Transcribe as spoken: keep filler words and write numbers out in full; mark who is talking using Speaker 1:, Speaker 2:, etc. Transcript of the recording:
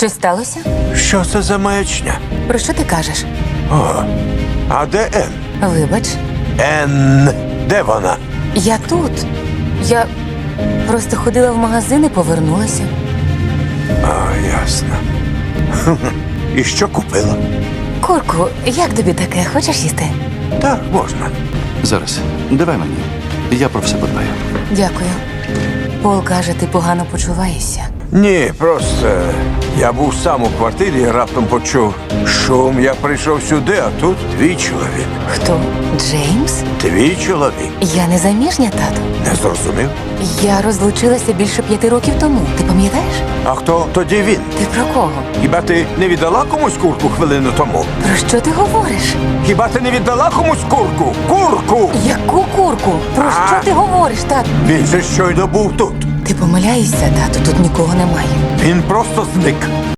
Speaker 1: Що сталося?
Speaker 2: Що це за маячня?
Speaker 1: Про що ти кажеш?
Speaker 2: О, а де Ен?
Speaker 1: Вибач,
Speaker 2: Ен, де вона?
Speaker 1: я тут. Я просто ходила в магазин і повернулася.
Speaker 2: А, ясно. Хм, І що купила?
Speaker 1: Курку, як тобі таке? Хочеш їсти?
Speaker 2: Так, можна.
Speaker 3: Зараз, давай мені. Я про все подбаю.
Speaker 1: Дякую. Пол каже, ти погано почуваєшся.
Speaker 2: Ні, просто я був сам у квартирі і раптом почув шум. Я прийшов сюди, а тут твій чоловік.
Speaker 1: Хто? Джеймс?
Speaker 2: Твій чоловік.
Speaker 1: Я не заміжня, тату.
Speaker 2: Не зрозумів?
Speaker 1: Я розлучилася більше п'яти років тому. Ти пам'ятаєш?
Speaker 2: А хто тоді він?
Speaker 1: Ти про кого?
Speaker 2: Хіба ти не віддала комусь курку хвилину тому?
Speaker 1: Про що ти говориш?
Speaker 2: Хіба ти не віддала комусь курку? Курку!
Speaker 1: Яку курку? Про
Speaker 2: А?
Speaker 1: що ти говориш, тату?
Speaker 2: Він же щойно був тут.
Speaker 1: Ти помиляєшся, тату, тут нікого немає.
Speaker 2: Він просто зник.